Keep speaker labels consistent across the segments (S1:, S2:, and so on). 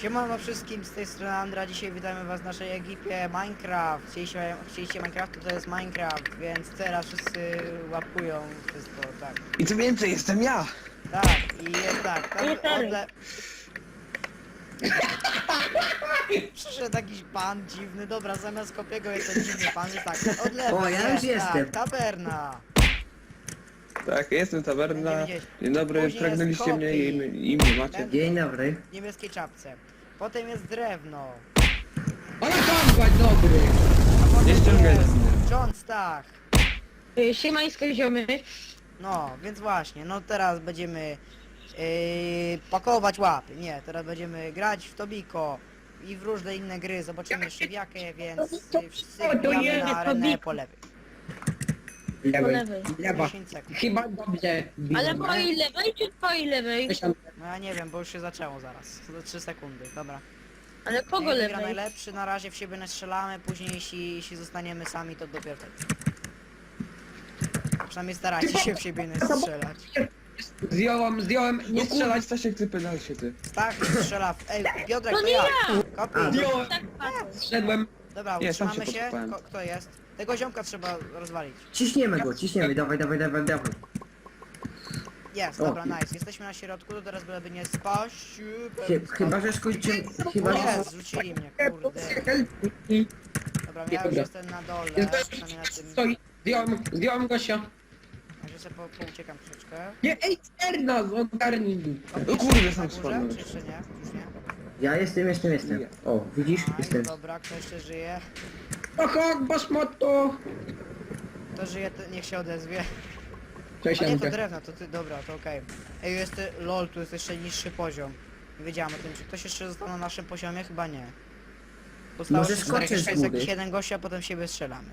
S1: Siemano wszystkim, z tej strony Andra, dzisiaj witamy was w naszej ekipie Minecraft. Chcieliście Minecraftu, to jest Minecraft, więc teraz wszyscy łapują wszystko, tak.
S2: I co więcej, jestem ja!
S1: Tak, i jest tak, Przyszedł jakiś pan dziwny, dobra, zamiast Kopiego jest ten dziwny pan, jest tak, od lewej
S3: O, ja już
S1: jest,
S3: jestem.
S1: tak, taberna.
S2: Tak, jestem Taberna.
S1: Będziemy gdzieś.
S2: Dzień dobry,
S1: Później
S2: pragnęliście
S1: jest
S2: mnie
S1: Kopi.
S2: i mnie macie.
S3: Dzień dobry.
S1: W niebieskiej czapce. Potem jest drewno.
S4: Ale tam, dobry!
S1: A potem
S2: Nie ściągaj
S1: jest
S2: mnie.
S1: John Stach.
S5: Siemańsko ziomy.
S1: No, więc właśnie, no teraz będziemy pakować łapy. Nie, teraz będziemy grać w Tobiko i w różne inne gry. Zobaczymy jeszcze w jakie, więc wszyscy
S4: to
S1: wbijamy
S4: jest
S1: na arenę
S5: Tobiko.
S1: po lewej.
S5: Po lewej.
S4: Lewa.
S1: 10 sekund.
S4: Chyba dobrze.
S5: Ale twojej lewej czy twojej lewej?
S1: No ja nie wiem, bo już się zaczęło zaraz. Za 3 sekundy, dobra.
S5: Ale kogo
S1: Jak wygra
S5: lewej?
S1: najlepszy, na razie w siebie nastrzelamy, później jeśli zostaniemy sami, to dopiero wtedy. Przynajmniej starajcie się w siebie nastrzelać.
S4: Zdjąłem, nie
S2: Nie
S4: strzelać.
S2: strzelać, Stasiek, ty pedal się ty.
S1: Stach strzela w... Ej, Piotrek,
S5: To
S1: to
S5: nie
S1: ja!
S5: ja!
S1: Kopi.
S4: Zdjąłem,
S5: Tak patrzę.
S4: zszedłem.
S1: Dobra,
S2: Nie, sam
S1: utrzymamy
S2: się
S1: się.
S2: podkopałem.
S1: Kto jest? Tego ziomka trzeba rozwalić.
S3: Ciśniemy go, ciśniemy, dawaj.
S1: Jest,
S3: O.
S1: dobra, nice. Jesteśmy na środku, to teraz byleby nie spaść.
S3: Chyba, że skończymy, chyba, że...
S1: Jest, rzucili mnie, kurde. Dobra, ja już
S4: Dobra.
S1: jestem na dole, przynajmniej na tym.
S4: Stoi. Zdjąłem gościa.
S1: Także sobie pouciekam troszeczkę.
S4: Nie, ej, Erna, ogarnij.
S2: No kurde,
S1: Na
S2: sam
S1: górze,
S2: spadłem.
S1: czy jeszcze nie? Już nie?
S3: Ja jestem. O, widzisz?
S1: Nice,
S3: Jestem.
S1: dobra, kto jeszcze żyje?
S4: Oho, basmoto.
S1: Kto żyje, to niech się odezwie.
S4: Cześć,
S1: A nie, to
S4: Janka.
S1: drewno, to ty, dobra, to okej. Ej, jest, lol, tu jest jeszcze niższy poziom. Nie wiedziałem o tym, czy ktoś jeszcze został na naszym poziomie? Chyba nie. Zostało
S3: Może
S1: tylko
S3: skoczysz z góry.
S1: jakieś 7 gości, a potem siebie strzelamy.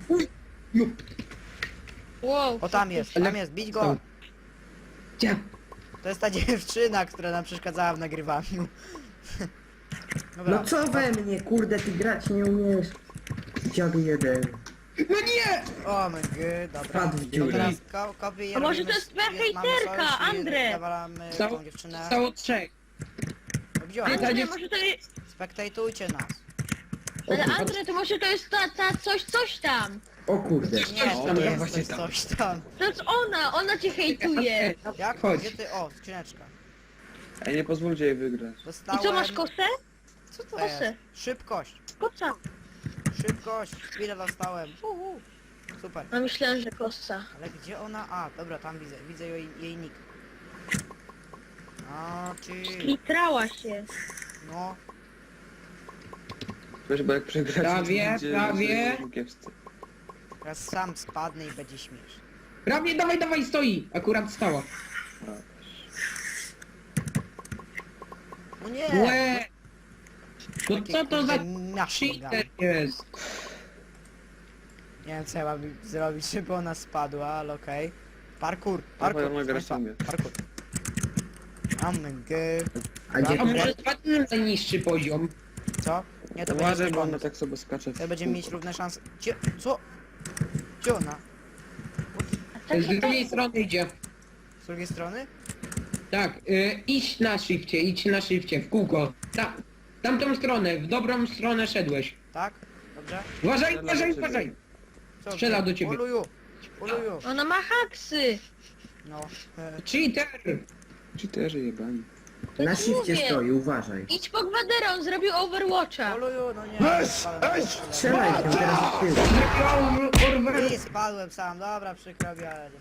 S5: Wow.
S1: O, tam jest, bić go!
S4: Gdzie?
S1: To jest ta dziewczyna, która nam przeszkadzała w nagrywaniu. Dobra,
S3: No co we mnie, kurde, ty grać nie umiesz. Dziadu jeden.
S4: No nie!
S1: o my god, dobra.
S3: Padł w
S1: To
S3: dziurę.
S1: teraz kopy
S5: A może to jest twoja hejterka, Andre?
S1: Zawalamy
S4: Stało-
S1: tą dziewczynę.
S4: Stało trzech.
S1: Gdzie
S4: Ale
S1: ona?
S5: Andre, może to jest...
S1: Spektajtujcie nas.
S5: Ale Andre, to może to jest ta coś tam.
S3: O kurde.
S1: Nie,
S4: tam,
S1: to nie
S4: ja
S1: jest
S4: właśnie
S1: coś,
S4: tam.
S1: coś tam.
S5: To jest ona cię hejtuje.
S1: Jak?
S4: Chodź.
S1: Gdzie ty? O, skrzyneczka.
S2: Ej, nie pozwólcie jej wygrać.
S5: I
S1: Dostałem...
S5: co, masz kosę?
S1: Co to
S5: Kosę.
S1: jest? Szybkość.
S5: Kosa.
S1: Szybkość. Chwilę dostałem. Super.
S5: No myślałem, że kosa.
S1: Ale gdzie ona? A, dobra, tam widzę jej nick. A, ty.
S5: Litrała się.
S1: No.
S2: Wiesz, bo jak przegracie,
S4: Prawie,
S2: to będzie
S4: prawie.
S2: kiepscy.
S1: Teraz sam spadnę i będzie śmiesznie.
S4: Prawie, dawaj, stoi. Akurat stała.
S1: No nie!
S4: Łe! No
S1: Takie,
S4: co to za
S1: kurde, miasto
S4: cheater
S1: gada.
S4: jest?
S1: Nie wiem co ja mam zrobić, żeby ona spadła, ale okej. Parkour,
S2: Dawaj,
S1: parkour,
S2: ona gra
S1: proszę
S2: sobie.
S1: państwa, parkour. Amg.
S3: A gdzie
S4: A może spadnie na najniższy poziom?
S1: Co? Nie, to będzie
S2: Uważaj,
S1: zły
S2: bo ona
S1: pomysł.
S2: tak sobie skacze.
S1: To będziemy mieć równe szanse. Gdzie? Co? Gdzie ona?
S4: Z drugiej strony idzie.
S1: Z drugiej strony?
S4: Tak, idź na shifcie, w kółko. Tamtą stronę, w dobrą stronę szedłeś.
S1: Tak? Dobrze?
S4: Uważaj,
S2: Strzela do ciebie.
S4: uważaj!
S1: Co?
S4: Strzela do ciebie.
S1: Uluju! Uluju!
S5: Ona ma haksy.
S1: No.
S4: Cheater!
S2: Cheaterzy jebani.
S3: Na shifcie
S5: mówię.
S3: stoi, uważaj.
S5: Idź po gwaderę, on zrobił Overwatcha.
S1: Uluju, no nie. Spadłem.
S3: Strzelaj się teraz w tył.
S1: I spadłem sam, dobra, przykro mi, ale...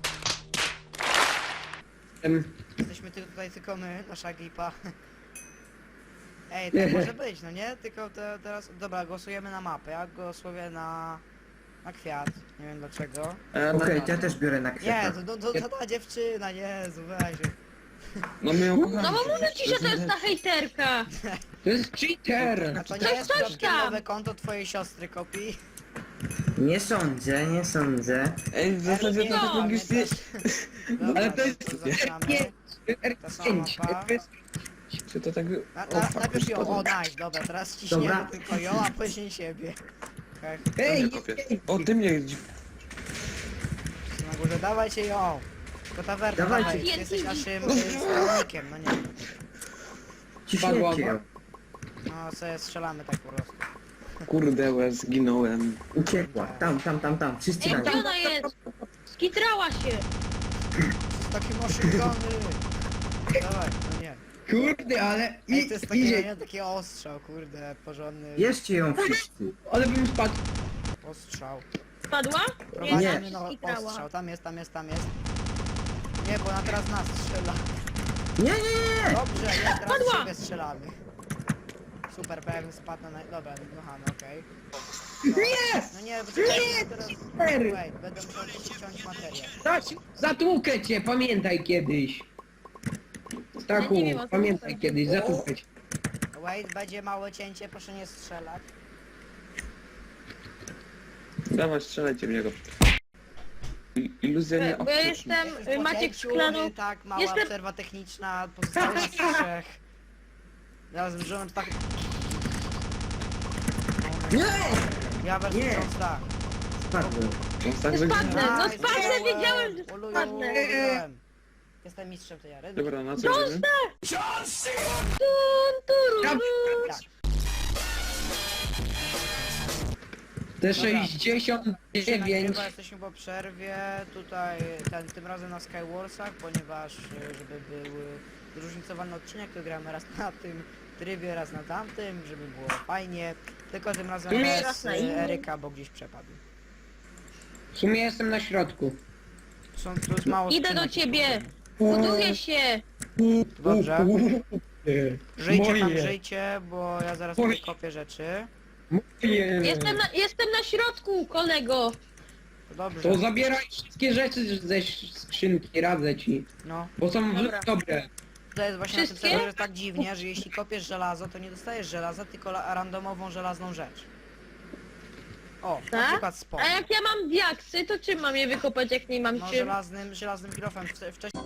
S1: Jesteśmy tutaj tylko my, nasza ekipa. Ej, tak może być, no nie? Tylko teraz... Dobra, głosujemy na mapę. Ja głosuję na kwiat. Nie wiem dlaczego.
S3: Okej, ja też biorę na
S1: Nie,
S3: kwiata.
S1: to ta dziewczyna, Jezu, weź.
S2: No my ją kochamy.
S5: No bo mówię ci, że to jest ta hejterka.
S4: To jest cheater!
S1: A to nie
S5: Coś
S1: jest przypadkiem
S5: tam.
S1: nowe konto twojej siostry, Kopi?
S3: Nie sądzę.
S2: Ej, w zasadzie to tak
S5: No,
S2: logicznie...
S1: Dobra,
S4: Ale to jest...
S1: zaczynamy.
S4: Nie,
S1: Ta sama
S4: R5,
S1: mapa.
S2: Czy to tak...
S1: Najpierw ją, o nice, dobra, teraz ciśniemy
S3: Dobra.
S1: tylko ją, a później siebie. Hech,
S4: Ej,
S2: O, ty mnie...
S1: na górze, dawajcie ją! To tawerna,
S3: Dawajcie.
S1: dawaj, ty jesteś naszym stronnikiem, no nie wiem.
S3: Ciśniecie ją.
S1: No sobie strzelamy tak po prostu.
S2: Kurde, łez, zginąłem.
S3: Uciekła. Tam. Wszyscy
S5: Ej,
S3: tam.
S5: gdzie ona jest? Skitrała się.
S1: Takie maszygony! Dawaj, no nie.
S4: Kurde, ale
S1: Ej, to jest takie,
S4: idzie.
S1: nie, taki ostrzał, kurde, porządny
S3: Bierzcie ją wszyscy.
S4: Ale bym spadł.
S1: ostrzał.
S5: Spadła?
S1: Prowadzimy no
S5: skitrała.
S1: ostrzał, tam jest. Nie, bo ona teraz nas strzela.
S3: Nie.
S1: Dobrze, jest, teraz
S5: Padła!
S1: w siebie strzelamy. Super, bo jakbym spadł na... Dobra, wybuchamy, okej.
S4: Nie!
S1: No nie, bo czekaj, teraz...
S4: super!
S1: Wait, będę musiał ściąć materię.
S4: Zatłukę cię, pamiętaj kiedyś. Stachu,
S5: Ja nie wiem, o co
S4: pamiętaj
S5: chodzi.
S4: kiedyś, zatłukę cię.
S1: Wait, będzie małe cięcie, proszę nie strzelać.
S2: Dawaj, strzelajcie w niego. Iluzja nie
S5: Bo ja jestem
S1: Już po
S5: Maciek
S1: cięciu,
S5: Szklanu.
S1: tak, mała
S5: Jestem-
S1: przerwa techniczna, pozostała nas trzech. Zaraz wrzucam tak...
S3: Nie!
S1: Ja wezmę
S3: Nie.
S1: ząb tak.
S3: Spadłem.
S2: Tak
S5: Spadnę, no
S1: Nice,
S5: spadnę, wiedziałem, że
S1: Oluju,
S5: spadnę.
S1: wiedziałem. Jestem mistrzem tej jary.
S2: Dobra, na co idziemy?
S1: Tak.
S4: Te
S1: Dobra.
S4: 69.
S1: Chyba jesteśmy po przerwie, tutaj tym razem na Skywarsach, ponieważ żeby był zróżnicowany odcinek, to gramy raz na tym trybie, raz na tamtym, żeby było fajnie. Tylko tym razem
S4: Tu
S1: bez
S5: raz na innym.
S1: Eryka, bo gdzieś przepadł.
S4: W sumie jestem na środku.
S1: Tu jest mało
S5: Idę do
S1: skrzynek.
S5: ciebie. Buduję się.
S1: Dobrze. Żyjcie tam,
S4: Moje.
S1: żyjcie, bo ja zaraz
S4: Moje.
S1: wykopię rzeczy.
S4: Moje.
S5: Jestem na środku, kolego.
S1: To dobrze.
S4: To zabieraj wszystkie rzeczy ze skrzynki, radzę ci.
S1: No.
S4: Bo są
S5: Dobra.
S4: dobre.
S1: To jest właśnie na tym
S5: Wszystkie?
S1: serwerze tak dziwnie, że jeśli kopiesz żelazo, to nie dostajesz żelaza, tylko randomową żelazną rzecz. O, na
S5: Tak?
S1: przykład spot.
S5: A jak ja mam diaksy, to czym mam je wykopać, jak nie mam
S1: No
S5: czym?
S1: żelaznym kilofem. Wcześniej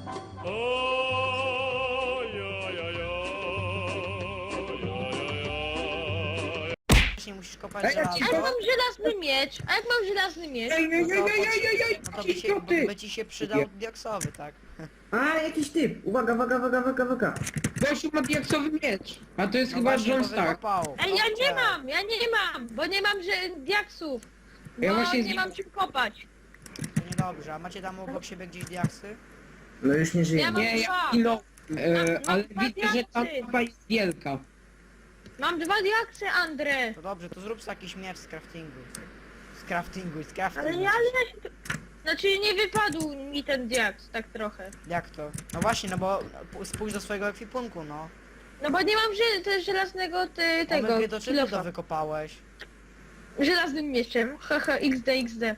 S1: musisz kopać
S4: Ej, ja
S1: żelazo.
S4: ci
S5: A jak mam żelazny miecz? A jak mam żelazny miecz?
S4: Ej,
S1: No to by ci się przydał diaksowy, tak?
S3: A, jakiś typ. Uwaga.
S4: Gościu ma diaksowy miecz. A to jest
S1: No
S4: chyba
S1: właśnie,
S4: John
S1: bo
S4: Stark.
S1: wykopał.
S5: Ej, ja nie
S1: Dobrze.
S5: mam, bo nie mam diaksów. Bo
S4: Ja właśnie
S5: nie mam czym kopać.
S1: To niedobrze, a macie tam obok siebie gdzieś diaksy?
S3: No już nie
S5: Ja
S3: żyjemy.
S5: mam
S4: Nie, ja
S5: dwa.
S4: zginąłem.
S5: Mam
S4: Ale
S5: dwa
S4: widzę, że ta
S5: diaksy.
S4: mapa jest wielka.
S5: Mam 2 diaksy, Andre.
S1: To dobrze, to zrób sobie jakiś miecz z craftingu.
S5: Ale ja się... Znaczy nie wypadł mi ten diaks, tak trochę.
S1: Jak to? No właśnie, no bo spójrz do swojego ekwipunku, no.
S5: No bo nie mam żelaznego tego,
S1: Tego, to czym ty to
S5: kilofa.
S1: wykopałeś?
S5: Żelaznym mieczem. Haha, XD.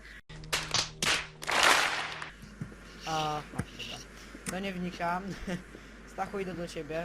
S1: A, dobra. To nie wnikam. Stachu, idę do ciebie.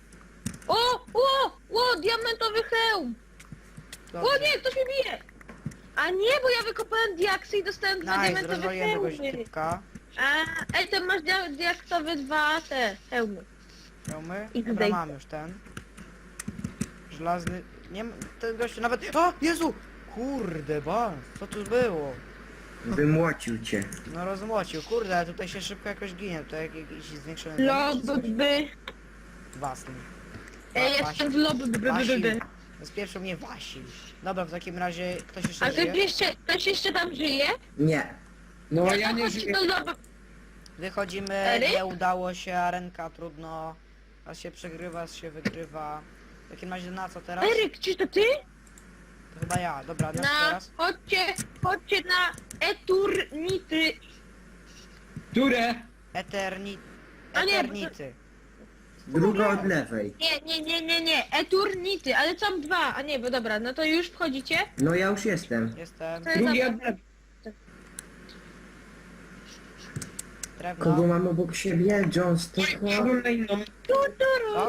S5: O, diamentowy hełm.
S1: Dobrze.
S5: O nie, ktoś mnie bije. A nie, bo ja wykopałem diaksy i dostałem 2
S1: Nice,
S5: diamentowe
S1: rozwaliłem kogoś
S5: hełmy.
S1: typka.
S5: Ej, to masz diaksowe 2 te hełmy.
S1: Hełmy?
S5: I
S1: Dobra,
S5: tutaj.
S1: mam już ten. Żelazny... Nie ma... Ten gościu nawet... O! Jezu! Kurde, ba! Co tu było?
S3: Wymłocił cię.
S1: No rozmłocił. Kurde, ale tutaj się szybko jakoś ginie. To jakiś zwiększony... damage czy coś?
S5: Lobby.
S1: Wasny.
S5: Ej,
S1: Wasil.
S5: jestem w lobby.
S1: Wasil. Spieprzył mnie Wasil. Dobra, w takim razie ktoś jeszcze
S5: A
S1: żyje?
S5: ktoś jeszcze tam żyje?
S3: Nie.
S4: No ja nie
S5: chodź
S4: żyję.
S5: do lobby.
S1: Wychodzimy,
S5: Eryk?
S1: nie udało się, arenka trudno. Raz się przegrywa, raz się wygrywa. W takim razie na co teraz?
S5: Eryk, czy to ty?
S1: To chyba ja, dobra, na co
S5: Na,
S1: teraz?
S5: chodźcie na Eturnity.
S4: Które?
S5: A nie,
S1: Eternity.
S3: Druga od lewej.
S5: Nie, Eturnity, ale tam 2, a nie, bo dobra, no to już wchodzicie?
S3: No ja już jestem.
S1: Jestem.
S5: To jest
S4: Drugi
S5: dobra.
S4: od
S1: Drewno.
S3: Kogo mam obok siebie? John Stocka.
S4: Szedłem na inną.
S1: Co?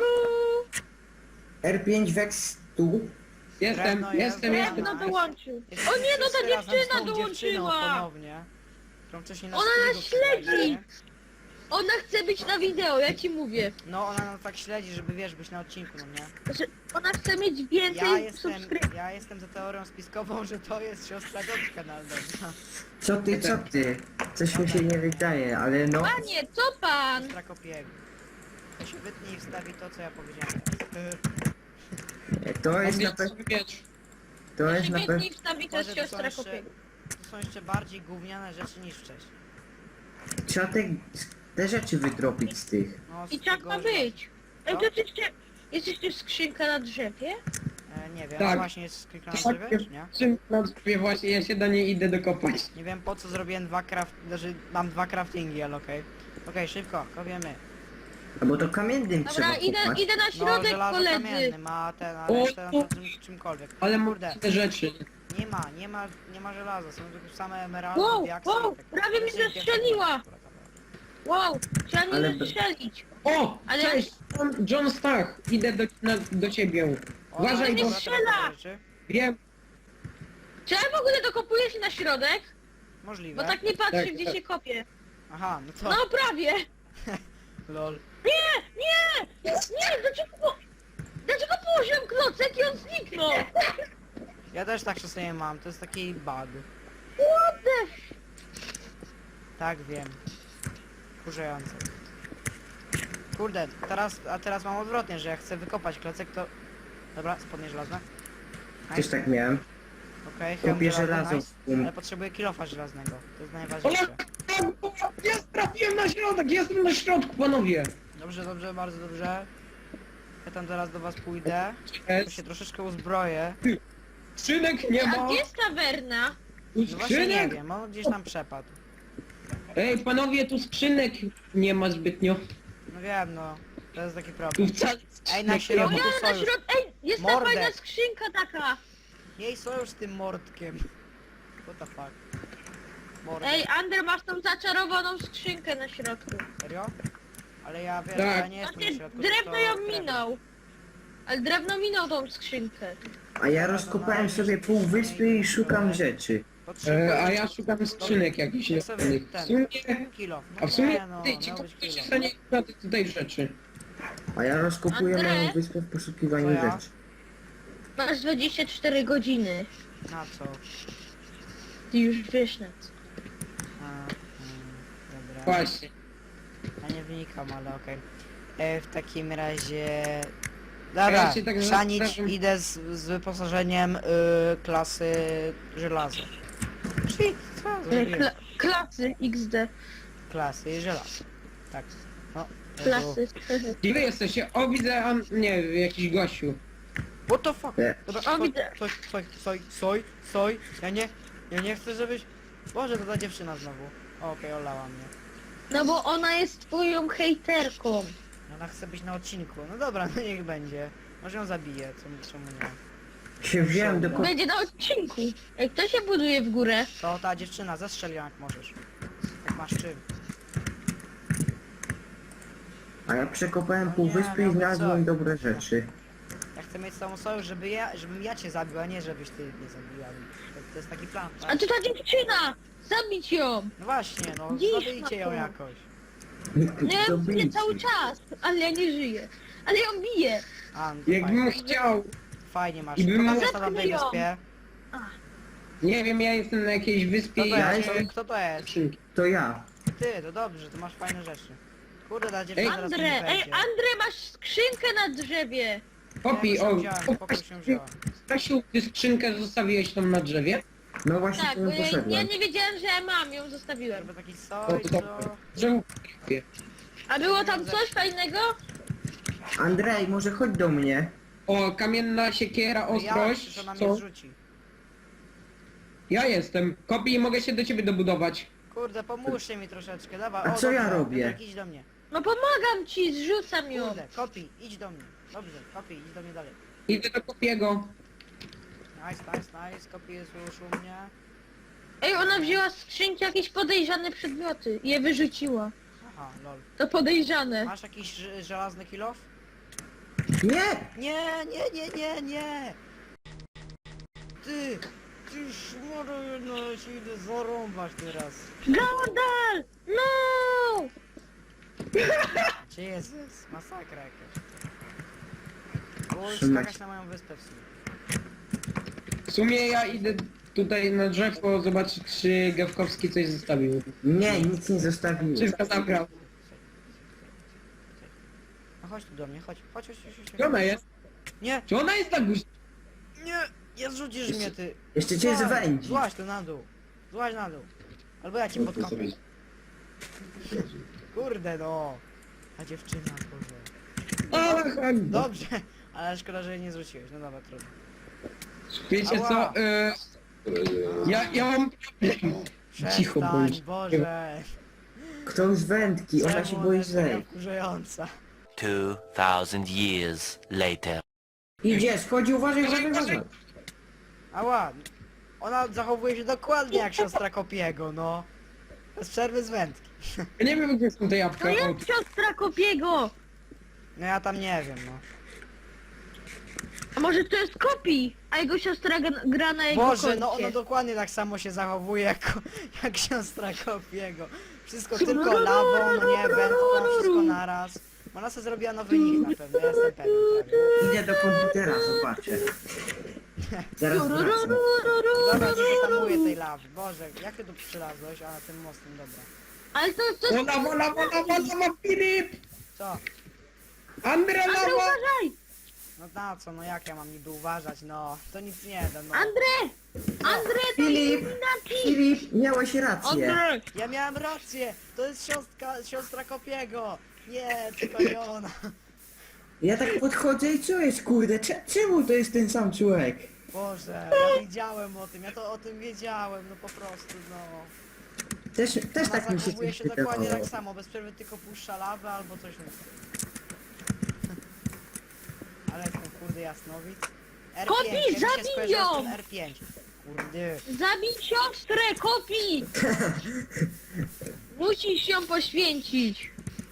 S3: R5 Vex tu.
S4: Jestem.
S5: Drewno dołączył. O nie, no ta
S1: Wszyscy razem z
S5: dziewczyna
S1: tą dziewczyną
S5: dołączyła.
S1: ponownie. Którą wcześniej na
S5: Ona
S1: streamu
S5: nas śledzi.
S1: śledzicie.
S5: Ona chce być na wideo, ja ci mówię.
S1: No ona nas tak śledzi, żeby wiesz, być na odcinku, no nie?
S5: Znaczy, ona chce mieć więcej subskrypcji.
S1: Ja jestem za teorią spiskową, że to jest siostra Doczka Naldona.
S3: Co ty? Coś mi się nie wydaje, ale no.
S5: Panie, co pan?
S1: Siostra Kopiego. To się wytnie i wstawi to, co ja powiedziałem.
S3: To jest na
S4: Odbierz
S3: pewno...
S4: sobie miecz.
S3: To jest na pewno...
S5: Śmietnik wstawi, to jest
S1: Boże, to są
S5: siostra
S1: jeszcze-
S5: kopiego.
S1: To są jeszcze bardziej gówniane rzeczy niż wcześniej.
S3: Trzeba te rzeczy wydropić z tych.
S1: No, z
S5: I tak
S1: tego,
S5: ma
S1: że-
S5: być. Ej,
S1: Co?
S5: to jest jeszcze skrzynka na drzewie?
S1: Nie wiem,
S4: Tak.
S1: właśnie jest skrzynka na
S4: Tak,
S1: drzewie, czy nie?
S4: czym na drzewie właśnie, ja się do niej idę dokopać.
S1: Nie wiem po co zrobiłem znaczy mam dwa craftingi, ale okej. Okej, szybko, kopiemy.
S3: No bo to kamiennym
S5: Dobra,
S3: trzeba kopać.
S5: idę na
S1: No,
S5: środek,
S1: żelazo
S5: koledzy.
S1: kamiennym, a ten, a
S4: O,
S1: resztę na to czymkolwiek.
S4: Ale mam
S1: Kurde,
S4: te rzeczy.
S1: nie ma żelaza, są tylko same emeraldy,
S5: Wow,
S1: diaksy
S5: wow,
S1: i tak.
S5: prawie mi
S1: Szybkie,
S5: zestrzeliła.
S1: szybkie.
S5: Wow, trzeba
S3: Ale
S5: mnie
S3: be-
S5: strzelić.
S4: O!
S5: Ale-
S4: Cześć! John Stach! Idę do ciebie.
S1: O,
S4: Uważaj,
S1: dobra,
S5: bo-
S1: dobra,
S5: strzela!
S1: dobra, rzeczy.
S4: Wiem.
S5: Czy ja w ogóle dokopuję się na środek?
S1: Możliwe.
S5: Bo tak nie patrzę,
S4: Tak,
S5: gdzie
S4: tak.
S5: się kopie.
S1: Aha, no to...
S5: No prawie.
S1: Lol.
S5: Nie, dlaczego położyłem klocek i on zniknął?
S1: Ja też tak czasami mam, to jest taki bug.
S5: What the...
S1: Tak, wiem. Wkurzające. Kurde, teraz mam odwrotnie, że jak chcę wykopać klocek, to... Dobra, spodnie żelazne.
S3: Też tak miałem.
S1: Okej,
S3: Kopię żelazo.
S1: nice. Ale potrzebuję kilofa żelaznego, to jest
S4: O!
S1: najważniejsze.
S4: Jest, trafiłem na środek! Jestem na środku, panowie!
S1: Dobrze, dobrze, bardzo dobrze. Ja tam zaraz do was pójdę. To
S4: Jest.
S1: się troszeczkę uzbroję.
S4: Skrzynek nie
S5: A
S4: ma!
S5: gdzie jest tawerna?
S1: No właśnie nie
S4: Skrzynek!
S1: wiem, on gdzieś tam przepadł.
S4: Ej, panowie, tu skrzynek nie ma zbytnio.
S1: No wiem, no. To jest taki
S4: Tu
S1: problem.
S4: wcale
S1: Ej, na
S4: skrzynek nie
S1: środku.
S4: ma.
S5: O ja na
S1: sojusz.
S5: środku... Ej, jest ta
S1: Mordę.
S5: fajna skrzynka taka.
S1: Jej sojusz z tym mordkiem. What the fuck? Mordę.
S5: Ej, Ander, masz tą zaczarowaną skrzynkę na środku.
S1: Serio? Ale ja wiesz,
S4: Tak.
S1: ja nie jestem na
S5: Znaczy,
S1: środku.
S5: drewno
S1: to
S5: ją
S1: drewno.
S5: minął. Ale drewno minął tą skrzynkę.
S3: A ja rozkopałem sobie pół wyspy i szukam rzeczy.
S1: Potrzebuję...
S4: A ja szukam skrzynek jakichś
S1: Ja sobie
S4: lepiej. W
S1: ten-
S4: sumie...
S1: Kilof. No
S4: A w sumie
S1: nie, no,
S4: ty ci
S1: miał być
S4: kupujesz
S1: kilof.
S4: to nie na te tutaj rzeczy.
S3: A ja rozkopuję
S5: Andrzej?
S3: moją wyspę w poszukiwaniu
S1: Co ja?
S3: rzeczy.
S5: Masz 24 godziny.
S1: Na co?
S5: Ty już wiesz na co.
S1: Dobra.
S4: Właśnie.
S1: Ja nie wnikam, ale okej. W takim razie... Dobra,
S4: Ja się tak
S1: chrzanić
S4: zastanawiam-
S1: idę z wyposażeniem klasy żelazo. Czyli co? Zrobiłem?
S5: Klasy XD.
S1: Klasy żelazo. Tak. No.
S5: Klasy.
S4: Gdzie wy jesteście? O, widzę, nie, jakiś gościu.
S1: What the fuck?
S3: Nie.
S1: Dobra,
S5: O, widzę.
S1: soj. Ja nie chcę, żebyś... Boże, to ta dziewczyna znowu. Okej, olała mnie.
S5: No bo ona jest twoją hejterką.
S1: Ona chce być na odcinku. No dobra, no niech będzie. Może ją zabiję, czemu nie?
S3: Się wziąłem do ko-
S5: Będzie na odcinku. Ej, kto się buduje w górę?
S1: To ta dziewczyna, zestrzel ją jak możesz. Jak masz czym.
S3: A ja przekopałem pół
S1: Nie,
S3: wyspy i
S1: miałby
S3: znalazłem
S1: co.
S3: dobre rzeczy.
S1: Ja chcę mieć z tobą sojusz, żebym ja cię zabił, a nie żebyś ty mnie zabiła. To jest taki plan,
S5: A
S1: tak?
S5: to ta dziewczyna! Zabić ją!
S1: No właśnie, no,
S5: Dziś
S1: zabijcie ją
S5: ma to.
S1: jakoś.
S5: Nie,
S3: To
S5: bije cały czas, ale ja nie żyję. Ale ją biję.
S1: A, no to
S4: Jakbym
S1: fajnie.
S4: chciał.
S1: Fajnie masz.
S4: I bym
S1: Kto
S4: mógł-
S1: jest na tamtej
S5: Zepchnij ją.
S1: wyspie?
S4: Nie wiem, ja jestem na jakiejś wyspie
S1: Kto
S4: i
S1: to
S4: ja
S1: jest?
S4: się...
S1: Kto to jest?
S4: skrzynki.
S3: To ja.
S1: Ty, to dobrze, to masz fajne rzeczy. Kurde, ta dziewczyna teraz
S5: Andre,
S1: nie
S5: ej,
S1: będzie.
S5: Andre, masz skrzynkę na drzewie.
S4: Popi,
S1: Ja
S4: o,
S1: już ją wziąłem, pokój się wziąłem.
S4: Stasiu, ty skrzynkę zostawiłeś tam na drzewie?
S3: No właśnie
S5: Tak,
S3: tu
S5: bo ja
S3: poszedłem.
S5: nie wiedziałem, że ja mam, ją zostawiłem.
S1: Żeby taki
S4: O,
S1: soj,
S4: to
S1: co?
S4: dobrze. Że
S5: A było tam coś fajnego?
S3: Andrzej, może chodź do mnie.
S4: O, kamienna siekiera,
S1: Ja,
S4: ostrość,
S1: że ona mnie
S4: co?
S1: zrzuci.
S4: Ja jestem. Kopi, mogę się do ciebie dobudować.
S1: Kurde, pomóżcie mi troszeczkę, dawaj.
S3: A
S1: O,
S3: co ja
S1: dobrze,
S3: robię?
S1: Piotrek, idź do mnie.
S5: No pomagam ci, zrzucam ją.
S1: Kurde, kopi, idź do mnie. Dobrze, kopi, idź do mnie dalej.
S4: Idę do Kopiego.
S1: Nice, kopi jest już u mnie.
S5: Ej, ona wzięła z skrzynki jakieś podejrzane przedmioty i je wyrzuciła.
S1: Aha, lol.
S5: To podejrzane.
S1: Masz jakiś żelazny kilof?
S3: Nie!
S1: Nie! Ty szmaro jedno, ja się idę zarąbać teraz.
S5: Gordal! No!
S1: Jezus, masakra jakaś. Było już
S3: Trzymać.
S1: skakać na moją wyspę w sumie.
S4: W sumie ja idę tutaj na drzewko zobaczyć, czy Gawkowski coś zostawił.
S3: Nie, nic nie zostawiłem.
S4: Wszystko zabrał.
S1: No chodź tu do mnie, chodź.
S4: Gdzie ona jest?
S1: Nie,
S4: Czy ona jest na górze?
S1: Nie zrzucisz mnie, ty.
S3: Jeszcze cię
S1: Złaź,
S3: zwędzi.
S1: Złaź tu na dół. Złaź na dół. Albo ja cię podkopę. Kurde no. A dziewczyna, kurde.
S4: Ach,
S1: Dobrze, ale szkoda, że jej nie zwróciłeś. No dobra, trudno.
S4: wiecie
S1: Ała.
S4: co? Ja mam problem. Cicho
S1: Przestań,
S4: bądź.
S1: Boże.
S3: Kto z wędki? Ona się
S1: Czemu
S3: boi
S1: jest taka
S3: zejść.
S1: wkurzająca?
S6: 2,000 years later.
S3: Idzie, schodzi, uważaj, uważaj.
S1: Ała. Ona zachowuje się dokładnie jak siostra Kopiego, no. Bez przerwy z wędki.
S4: Ja nie wiem gdzie są te
S5: To
S4: jabłka. O,
S5: jest siostra Kopiego!
S1: No ja tam nie wiem, no.
S5: A może to jest Kopi, a jego siostra gra na jego
S1: Boże,
S5: koncie.
S1: no ona dokładnie tak samo się zachowuje jak siostra Kopiego. Wszystko tylko lawą, no nie, wędką, wszystko naraz. Ona sobie zrobiła nowy nick na pewno, ja jestem pewien prawie.
S3: Idę do komputera, zobaczę. Zaraz wracam.
S1: Dobra, nie zatamuję tej lawy. Boże, jak ty tu przylazłeś? A, tym mostem, dobra.
S5: Ale to
S4: Wola, Filip!
S1: Co?
S4: Andre,
S5: Andrzej,
S4: lawa!
S5: uważaj!
S1: No na co, no jak ja mam niby uważać, no. To nic nie da, no.
S5: Andrzej! Andrzej, to
S3: Filip!
S5: Illuminati!
S3: Filip, miałeś rację.
S5: Andrzej!
S1: Ja miałem rację! To jest siostra Kopiego! Nie, tylko nie ona.
S3: Ja tak podchodzę i co jest, kurde? Czemu to jest ten sam człowiek?
S1: Boże, ja wiedziałem o tym, ja to o tym wiedziałem, no po prostu, no.
S3: Też
S1: Ona
S3: tak mi się
S1: zachowuje
S3: coś
S1: się dokładnie
S3: wydawało.
S1: tak samo, bez przerwy tylko puszcza lawę albo coś takiego. Ale jestem kurde jasnowic. R5,
S5: Kopi,
S1: ja mi się
S5: zabij
S1: skojarzyło z
S5: ją!
S1: tym R5. Kurde.
S5: Zabij siostrę, Kopi! Musisz ją poświęcić.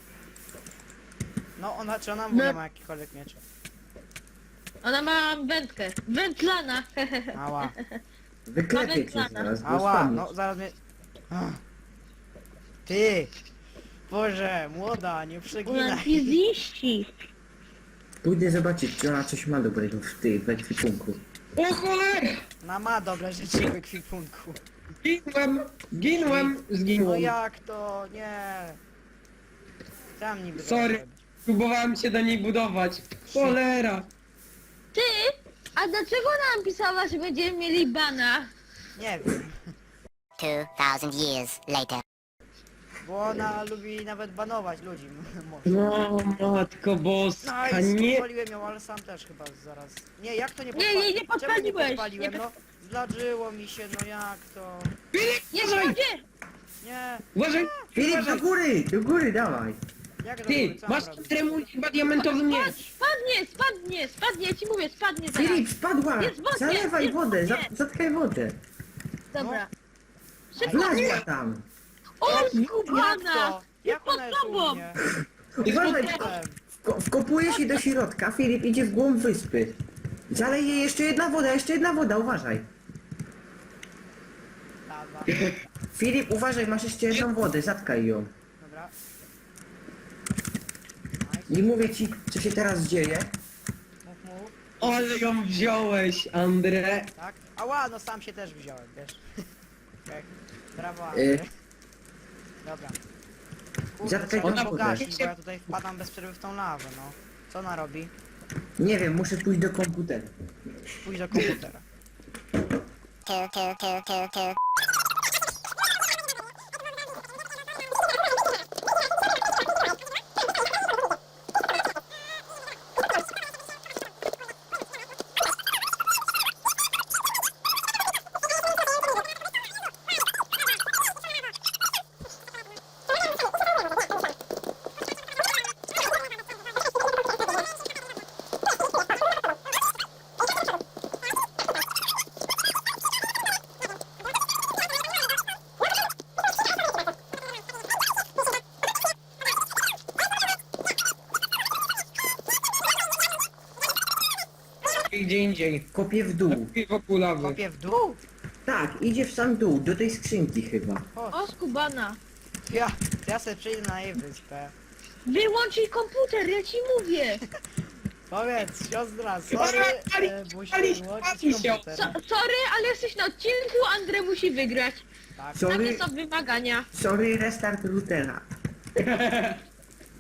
S1: No ona, czy ona w ogóle
S5: No.
S1: ma jakikolwiek miecze?
S5: Ona ma wędkę. Wędlana.
S1: Ała.
S3: Wyklepię cię
S5: Nawet
S3: zaraz, bo
S1: Ała,
S3: spadniesz.
S1: no zaraz mnie... Ach. Ty! Boże, młoda, nie
S5: Ona
S1: przeginaj.
S5: ziści.
S3: Pójdę zobaczyć, czy ona coś ma dobrego w tej ekwipunku.
S4: O cholera!
S1: Ona ma dobre rzeczy w ekwipunku.
S4: Ginłem,
S1: No
S4: zginłem.
S1: jak to? Nie. Tam niby
S4: Sorry.
S1: dobrze.
S4: Próbowałem się do niej budować. Cholera!
S5: Ty? A dlaczego nam pisała, że będziemy mieli bana?
S1: Nie wiem.
S7: 2,000 years later.
S1: Bo ona lubi nawet banować ludzi. Może.
S4: No matko boska,
S1: Nice,
S4: nie!
S1: podpaliłem ją, ale sam też chyba zaraz. Nie, jak to nie
S5: Nie,
S1: podpaliłem?
S5: nie, nie
S1: Czemu nie
S5: podpaliłeś.
S1: podpaliłem?
S5: Nie
S1: No, zdarzyło mi się, no jak to?
S5: Nie
S4: Uważaj!
S5: będzie!
S1: Nie,
S4: Uważaj!
S3: Filip,
S4: Uważaj!
S3: do góry, dawaj.
S1: jak to
S4: Ty,
S1: co mam
S4: masz
S1: robić?
S4: tremu chyba diamentowy miecz.
S5: Spadnie, ja ci mówię, spadnie zaraz.
S3: Filip, spadła!
S5: Jest wodzie,
S3: Zalewaj
S5: jest
S3: wodę,
S5: wodzie.
S3: zatkaj wodę.
S5: Dobra. Szybko,
S3: Wlazła tam.
S5: o
S1: Jak
S5: skubana!
S1: to? Jak ona jest u
S5: tobą.
S1: mnie?
S3: Uważaj,
S1: Potem.
S3: wkopuje się do środka, Filip idzie w głąb wyspy. Zalej jej jeszcze jedna woda, uważaj.
S1: Lawa.
S3: Filip, uważaj, masz jeszcze jedną wodę, zatkaj ją.
S1: Dobra.
S3: I mówię ci, co się teraz dzieje.
S1: Mów.
S4: Ale ją wziąłeś, Andre.
S1: Tak? Ała, no sam się też wziąłem, wiesz. Tak. Brawo,
S3: Y.
S1: Andrzej. Dobra. Kurde,
S3: Zatkaj
S1: trzeba
S3: tą
S1: ją
S3: wodę.
S1: pogasić, bo ja tutaj wpadam bez przerwy w tą lawę, no. Co ona robi?
S3: Nie wiem, muszę pójść do komputera.
S1: Pójdź do komputera.
S7: Two.
S4: Gdzie indziej.
S3: Kopię w dół.
S4: Wokół lawy.
S1: Kopię w dół?
S3: Tak, idzie w sam dół, do tej skrzynki chyba.
S5: O skubana!
S1: Ja sobie przyjdę na jej wyspę.
S5: Wyłącz jej komputer, ja ci mówię!
S1: Powiedz, siostra, sorry, musi
S4: palić
S1: wyłączyć
S4: się.
S1: komputer.
S5: Sorry, ale jesteś na odcinku, Andre musi wygrać.
S1: Tak.
S3: Sorry,
S5: Takie są wymagania.
S3: sorry, restart routera.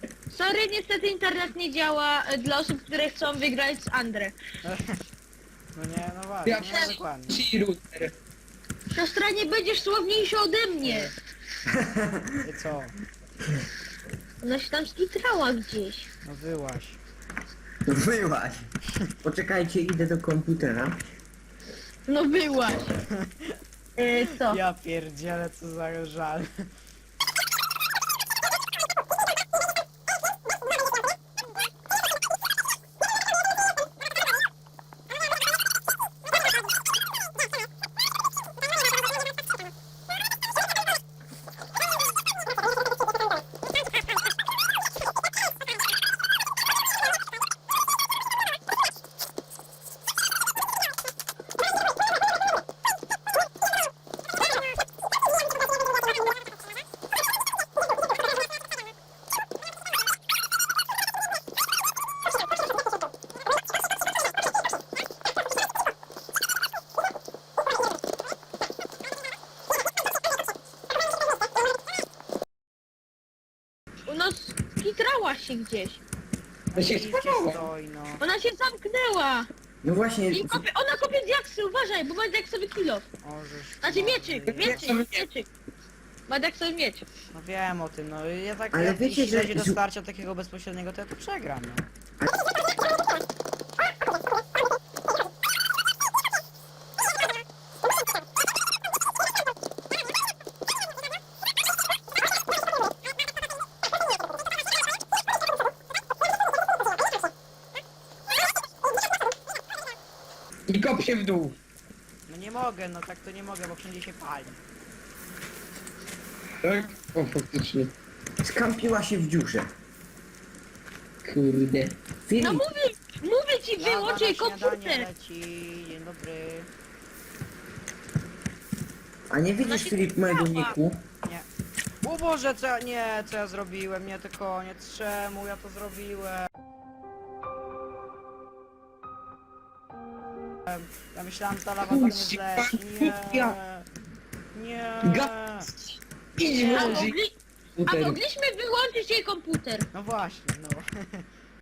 S5: Sorry, niestety internet nie działa dla osób, które chcą wygrać z Andre.
S1: No nie, no właśnie,
S4: Ja
S1: no dokładnie.
S4: ci router.
S5: Siostra, nie będziesz sławniejsza ode mnie.
S1: I co?
S5: Ona się tam skitrała gdzieś.
S1: No wyłaś.
S3: Wyłaś. Poczekajcie, idę do komputera.
S5: No byłaś. Co?
S1: Ja pierdzielę, co za żal.
S5: U nas skitrała się gdzieś.
S4: To się
S1: Idźcie
S4: spawało.
S1: stoi, no.
S5: Ona się zamknęła.
S3: No właśnie,
S5: Ona kopie diaksy, uważaj, bo ma diaksowy kilof.
S1: Możesz.
S5: Znaczy mieczyk, mieczyk. Ma diaksowy miecz.
S1: No wiem o tym, no ja tak,
S3: Ale
S1: jak
S3: wiecie,
S1: jeśli
S3: że-
S1: dojdzie do starcia takiego bezpośredniego, to ja to przegram, no.
S4: I kop się w dół.
S1: No nie mogę, no tak to nie mogę, bo wszędzie się pali.
S4: Tak? O, faktycznie.
S3: skampiła się w dziurze.
S4: Kurde.
S5: No
S3: Filip,
S5: mówię ci,
S1: Lawa
S5: wyłącz jej
S1: na śniadanie
S5: komputer.
S1: leci, dzień dobry.
S3: a nie widzisz, Filip, mojego niku?
S1: O Boże, co ja, nie, co ja zrobiłem, nie, to koniec, czemu ja to zrobiłem? Ja myślałem, że ta lawa tam nie zleci, nie, nie,
S4: Gaz. Idź
S5: A,
S4: włożyć
S5: a
S4: router.
S5: mogliśmy wyłączyć jej komputer.
S1: no właśnie, no.